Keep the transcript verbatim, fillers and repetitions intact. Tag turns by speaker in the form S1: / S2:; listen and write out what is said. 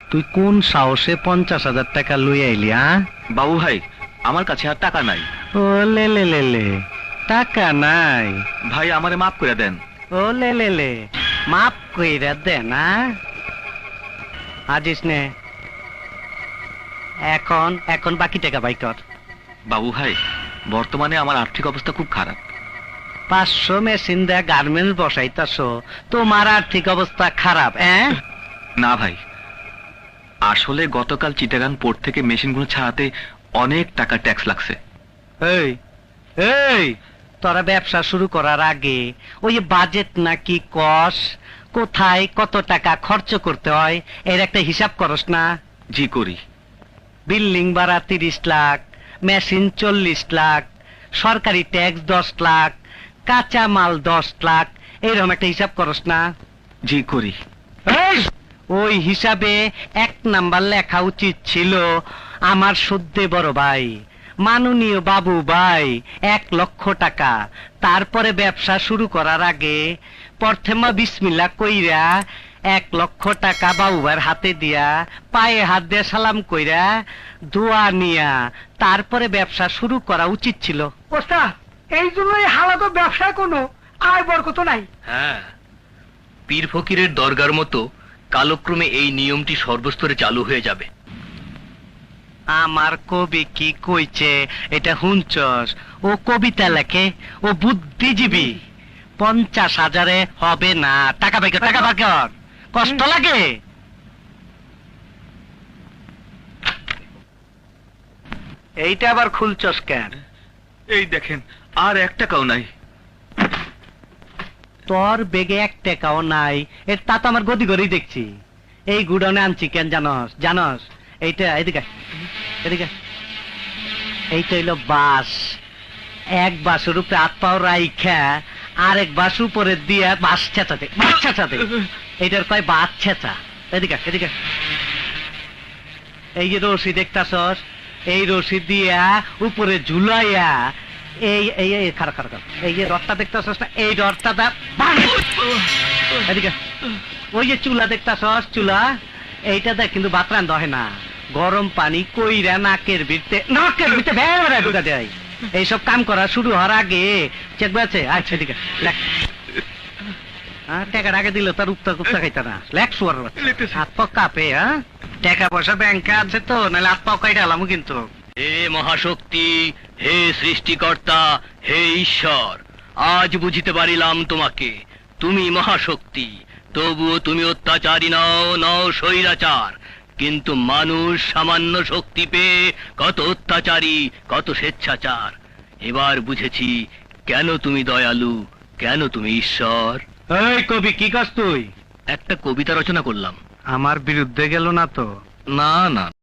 S1: তুই কোন সাহসে পঞ্চাশ হাজার টাকা লই আইলি? হ্যাঁ
S2: বাবু ভাই, আমার কাছে আর টাকা নাই।
S1: ও লে লে লে লে, টাকা নাই?
S2: ভাই আমারে মাফ করে দেন।
S1: ও লে লে লে, মাপ কইরা দে না। আজিস নে, এখন এখন বাকি টাকা বাই কর।
S2: বাবু ভাই, বর্তমানে আমার আর্থিক অবস্থা খুব খারাপ।
S1: পাঁচশো মেশিন দেয়া গার্মেন্টস বসাইতাছ, তোমার আর্থিক অবস্থা খারাপ? হ্যাঁ
S2: না ভাই, আসলে গতকাল চিটাগাং পোর্ট থেকে মেশিনগুলো ছাড়াতে অনেক টাকা ট্যাক্স লাগছে।
S1: এই এই, তোরা ব্যবসা শুরু করার আগে ওই বাজেট নাকি কস, কোথায় কত টাকা খরচ করতে হয় এর একটা হিসাব করস না?
S2: জি করি।
S1: বিল্ডিং ভাড়া তিরিশ লাখ, মেশিন চল্লিশ লাখ, সরকারি ট্যাক্স দশ লাখ, কাঁচা মাল দশ লাখ, এইরকম একটা হিসাব করস না?
S2: জি করি।
S1: এই, ওই হিসাবে এক নাম্বার লেখা উচিত ছিল আমার সদ্যে বড় ভাই মাননীয় বাবু ভাই এক লক্ষ টাকা। তারপরে ব্যবসা শুরু করার আগে প্রথমে বিসমিল্লাহ কইরা এক লক্ষ টাকা বাবু ভাইয়ের হাতে দিয়া পায়ে হাত দিয়ে সালাম কইরা দোয়া নিয়া তারপরে ব্যবসা শুরু করা উচিত ছিল।
S3: ওস্তাদ, এই জন্যই হালাত ব্যবসায় কোনো আয় বরকত নাই।
S4: হ্যাঁ, পীর ফকিরের দরগার মতো কালক্রমে এই নিয়মটি সর্বস্তরে চালু হয়ে যাবে।
S1: আমার কবি কি কইছে এটা হুঁচস? ও কবিতা লেখে, ও বুদ্ধিজীবী। পঞ্চাশ হাজারে হবে না। টাকা পাই কর, টাকা পাই কর, কষ্ট লাগে। এইটা আবার খুলছস কেন?
S2: এই দেখেন, আর এক টাকাও নাই।
S1: তোর বেগে এক টাকাও নাই, এর তা তো আমার গদি গড়েই দেখছি। এই গুডাউনে আনছি কেন জানস? জানস এইটা, এদিকে এদিকে, এইটা হইলো বাস। এক বাসের উপরে হাত পাও রাইখা আরেক বাস উপরে দিয়া বাস ছেঁচাতে, বাস ছেঁচাতে, এইটার কয় বাস ছেঁচা। এদিকে এদিকে, এই যে রশি দেখতাছস, এই রশি দিয়া উপরে ঝুলাইয়া এই এই এই খারাপ খারাপ এই যে রথটা দেখতাছস না, এই রথটা দা এদিকে। ওই যে চুলা দেখতাছস, চুলা এইটা দেখ কিন্তু বাতরান দহে না, গরম পানি কইরা নাকের ভিতরে, নাকের ভিতরে ভেড়া ভেড়া ঢুকা দেয়। এইসব কাম করা শুরু হওয়ার আগে চেক আছে। আচ্ছা ঠিক আছে, লেখ। হ্যাঁ, টাকার আগে দিল তার উত্তর কুপ্তা খাইতা না, লেখ শুয়ার বাচ্চা। হাত পা কাঁপে। হ্যাঁ, টাকা পয়সা ব্যাংকে আছে তো, নাহলে হাত পাও কাইটা আলামু কিন্তু।
S4: হে মহাশক্তি, হে সৃষ্টিকর্তা, হে ঈশ্বর, আজ বুঝিতে পারিলাম তোমাকে। তুমি মহাশক্তি, তবুও তুমি অত্যাচারী নও, নও স্বৈরাচার। কিন্তু মানুষ সামান্য শক্তি পেয়ে কত অত্যাচারী, কত স্বেচ্ছাচার। এবার বুঝেছি কেন তুমি দয়ালু, কেন তুমি ঈশ্বর।
S1: এই কবি, কি কাজ তুই?
S4: একটা কবিতা রচনা করলাম।
S1: আমার বিরুদ্ধে গেল না তো?
S4: না না,